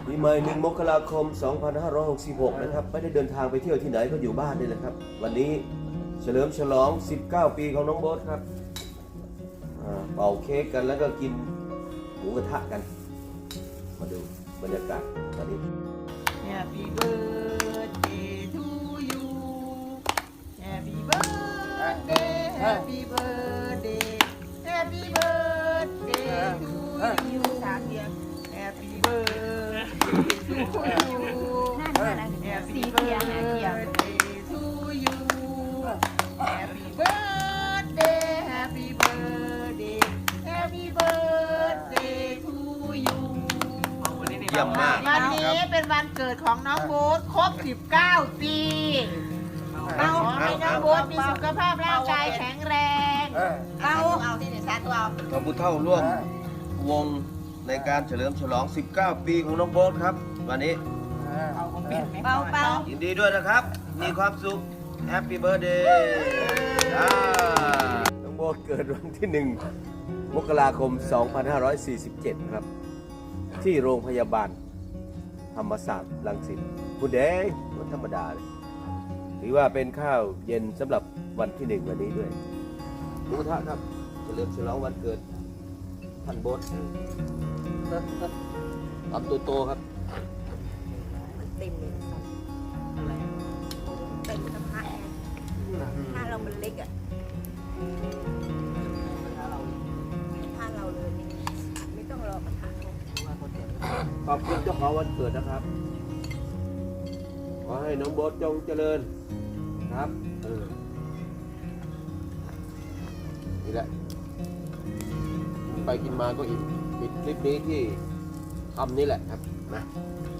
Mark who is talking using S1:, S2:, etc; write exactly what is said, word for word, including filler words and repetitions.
S1: ปีใหม่หนึ่งมกราคมสองพันห้าร้อยหกสิบหกนะครับไม่ได้เดินทางไปเที่ยวที่ไหนก็อยู่บ้านนี่แหละครับวันนี้เฉลิมฉลองสิบเก้าปีของน้องโบ๊ทครับเป่าเค้กกันแล้วก็กินหมูกระทะกันมาดูบรรยากาศตอนนี้
S2: Happy birthday to you Happy birthday Happy birthday Happy birthday to you สามเดียว Happy birthday to you Happy birthday to you Happy birthday Happy birthday Happy birthday to you
S1: เยี่ยมมาก
S2: วันนี้เป็นวันเกิดของน้องโบ๊ทครบสิบเก้าปีเราให้น้องโบ๊ทมีสุขภาพร่างกายแข็งแรงเอาเอาที่ไหนซะตัวเอา
S1: ขอบคุณเท่าร่วมวงในการเฉลิมฉลองสิบเก้าปีของน้องโบ๊ทครับวันนี้
S2: เบาเบา
S1: ยินดีด้วยนะครับมีความสุขแฮปปี้เบิร์ดเดย์น้องโบ๊ทเกิดวันที่หนึ่งมกราคมสองพันห้าร้อยสี่สิบเจ็ดครับที่โรงพยาบาลธรรมศาสตร์รังสิตคุณเดย์วันธรรมดาเลยถือว่าเป็นข้าวเย็นสำหรับวันที่หนึ่งวันนี้ด้วยหมูกระทะครับเฉลิมฉลองวันเกิดท่านโบ๊ททำตัวโตครับ
S3: เต็มเลยอะไรเต็มกระทะถ้าเรามันเล็กอ่ะถ้าเราเลยไม่ต้องรอกระทะ
S1: ขอบคุณเจ้าของวันเกิดนะครับขอให้น้องโบ๊ทจงเจริญครับเออนี่แหละไปกินมาก็อิ่มปิดคลิปนี้ที่ทำนี่แหละครับนะ